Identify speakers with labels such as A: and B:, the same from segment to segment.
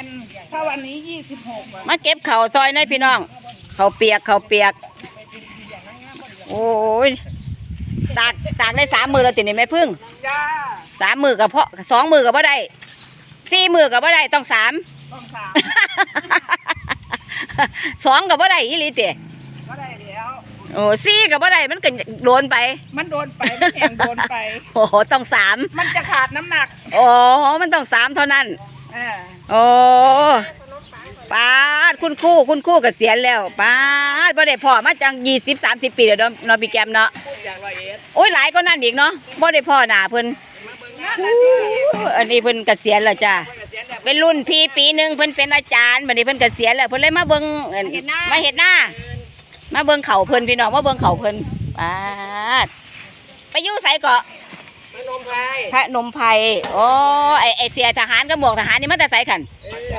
A: ถ้าวันนี้26
B: มาเก็บเข่าซอยหน่อยพี่น้องเข่าเปียกโอ้ยตากได้3 มือแล้วติดนี่แม่พึ่ง
A: จ้า
B: 3 มือกับเพาะ2 มือกับบ่ได้4 มือกับบ่ได้ต้อง3
A: ต้องสาม
B: 2กับบ่ได้อีหลีติ
A: ก็ได้แล้ว
B: โอ้4กับบ่ได้มันก็โดนไป
A: มันโดนไปมันแข่งโดนไป
B: โอ้ต้อง3
A: มันจะขาดน้ำหนัก
B: โอ้มันต้อง3เท่านั้นโอ้ป้าดคุณครู่เกษียณแล้วป้าดบ่ได้พ่อมาจัง20-30 ปีเดี๋ยวเนาะพี่แกมเนาะโอ้ยหลายก็นั่นอีกเนาะบ่ได้พ่อหน้าเพิ่นอันนี้เพิ่นเกษียณแล้วจ้าเป็นรุ่นพี่ปีหนึ่งเพิ่นเป็นอาจารย์บัดนี้เพิ่นเกษียณแล้วเพิ่นเลยมาเบิ่งมาเฮ็ดหน้ามาเบิ่งเขาเพิ่นพี่น้องมาเบิ่งเขาเพิ่นป้าดไปอยู่ไสเกาะพระนมไพรโอ้ไอเสียทหารกับหมวกทหารนี่มันแต่ไสขัน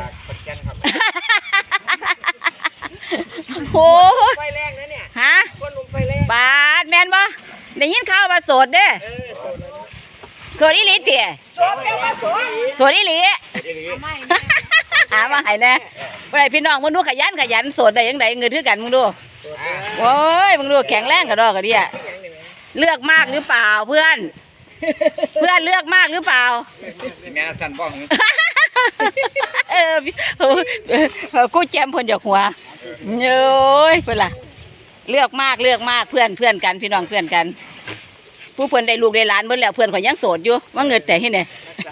B: โอ้
A: ไฟแรงนะเนี่ย
B: ฮะบาดแมนบ่ได้ยินข่าวว่าโสดเด้โสดอีหลีเตี๋ยโสดอีหลีหามาให้แน่บ่ได้พี่น้องมึงดูขยันโสดได้ยังไงเงินคือกันมึงดูโอ้ยมึงดูแข็งแรงกระดอกกระเดี่ยเลือกมากหรือเปล่าเพื่อนเลือกมากหรือเปล่า
C: แม่สั่นบ้อง
B: กูแจมเพิ่นจากหัวเย้ยเพิ่นล่ะเลือกมากเพื่อนกันพี่น้องเพื่อนกันผู้เพิ่นได้ลูกได้หลานเพิ่นแล้วเพื่อนข่อยยังโสดอยู่ว่าเงินแต่ที่ไหน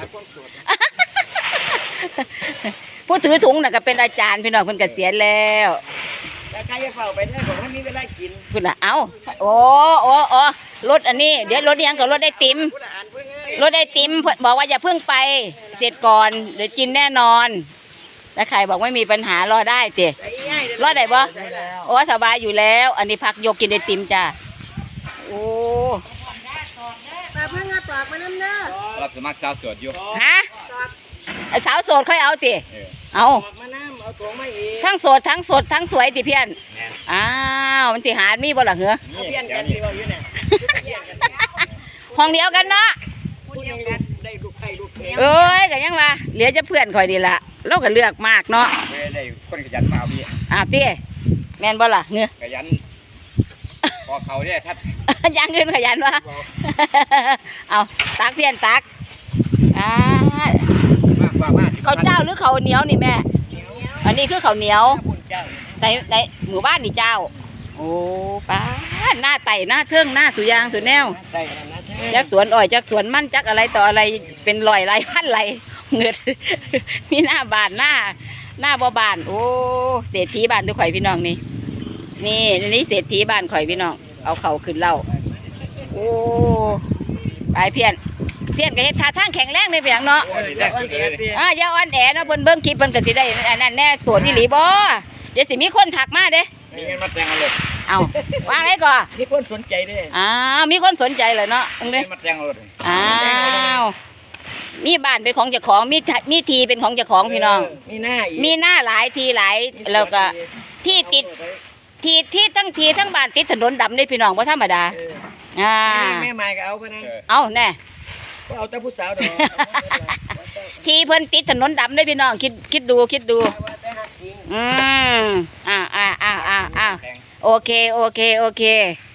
B: ผู้ถือถุงน่ะก็เป็นอาจารย์พี่น้องเพิ่นเกษียณแล้ว
A: แล้วใครจะเฝ้าไปได้บอกว่ามีเวลากิน
B: คุณน่ะเอาโอ้รถอันนี้เดี๋ยวรถยังกับรถได้ติมบอกว่าอย่าเพิ่งไปเสร็จก่อนเดี๋ยวกินแน่นอนแล้วใครบอกไม่มีปัญหารอได้เตะรอได้บ่โอ้สบายอยู่แล้วอันนี้พักยกกินได้ติมจ้าโอ้
A: แต่เพิ่งมาตอกมาน้ำเนื้อ
C: รับสมัครสาวโสดอยู่
B: ฮะสาวโสดค่อยเอาติเอาทั้งโสดทั้งสวยติเพี้ยนอ้าวมันสิหามีบ่ล่ะเหรอห้องเดียวกันเนาะเอ้ยกันยังวะเหลือจะเพื่อนคอยดีละเราก็เลือกมากเนาะ
C: ได้คนขยันมาเอาพี่
B: ตี้แม่นบ่ล่ะเงือ
C: ขยันพอเขาเนี่ยทัด
B: ยังเงินขยันวะเอาตักเพี้ยนตักเขาเจ้าหรือเขาเหนียวนี่แม่อันนี้คือเขาเหนียวในหมู่บ้านนี่เจ้าโอ้ป้าหน้าไต่หน้าเทิงหน้าสุยางสุแนวจักสวนอ้อยจักสวนมันจักอะไรต่ออะไรเป็นลอยไรพันไรเงือดมีหน้าบานหน้าบ่บานโอ้เศรษฐีบ้านทุกข่อยพี่น้องนี่เศรษฐีบ้านข่อยพี่น้องเอาเข่าขึ้นเล่าโอ้ไปเพี้ยนก็เฮ็ดท่าทางแข็งแรงในเพียงเนาะอย่าอ่อนแอเนาะเพิ่นเบิ่งคลิปเพิ่นก็สิได้อันนั้นแน่โสดอีหลีบ่เดี๋ยวสิมีคนทักมาเด้
C: มีเงินมาแต่งเอาเลย
B: เอาวางไว้ก่อน
A: มีคนสนใจด้วย
B: มีคนสนใจเลยเนาะตรงนี้
C: มาแต่งเอาเลย
B: มีบ้านเป็นของเจ้าของมีทีเป็นของเจ้าของพี่น้อง
A: มีห
B: น้าหลายทีหลายแล้วก็ที่ติดที่ทั้งบ้านติดถนนดำเลยพี่น้องเพราะธรรมดา
A: แม่ไม้ก็เอาไปนะ
B: เอาแน่
A: เอาแต่ผู้สาวดอก
B: ทีเพิ่นติดถนนดำเลยพี่น้องคิดดูโอเค